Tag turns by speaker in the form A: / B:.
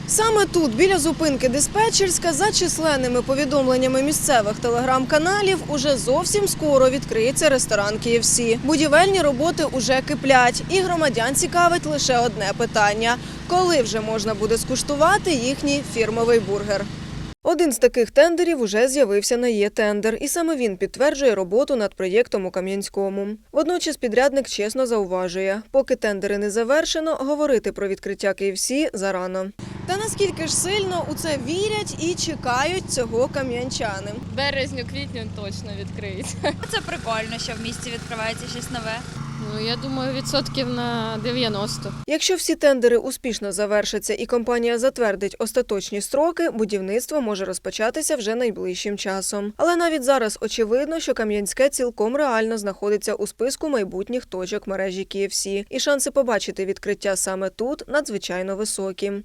A: Саме тут, біля зупинки диспетчерська, за численними повідомленнями місцевих телеграм-каналів, уже зовсім скоро відкриється ресторан KFC. Будівельні роботи уже киплять, і громадян цікавить лише одне питання – коли вже можна буде скуштувати їхній фірмовий бургер? Один з таких тендерів уже з'явився на «Є-тендер», і саме він підтверджує роботу над проєктом у Кам'янському. Водночас підрядник чесно зауважує, поки тендери не завершено, говорити про відкриття KFC зарано. Та наскільки ж сильно у це вірять і чекають цього кам'янчани?
B: Березню-квітню точно відкриється.
C: Це прикольно, що в місті відкривається щось нове.
B: Ну, я думаю, відсотків на 90.
A: Якщо всі тендери успішно завершаться і компанія затвердить остаточні строки, будівництво може розпочатися вже найближчим часом. Але навіть зараз очевидно, що Кам'янське цілком реально знаходиться у списку майбутніх точок мережі KFC. І шанси побачити відкриття саме тут надзвичайно високі.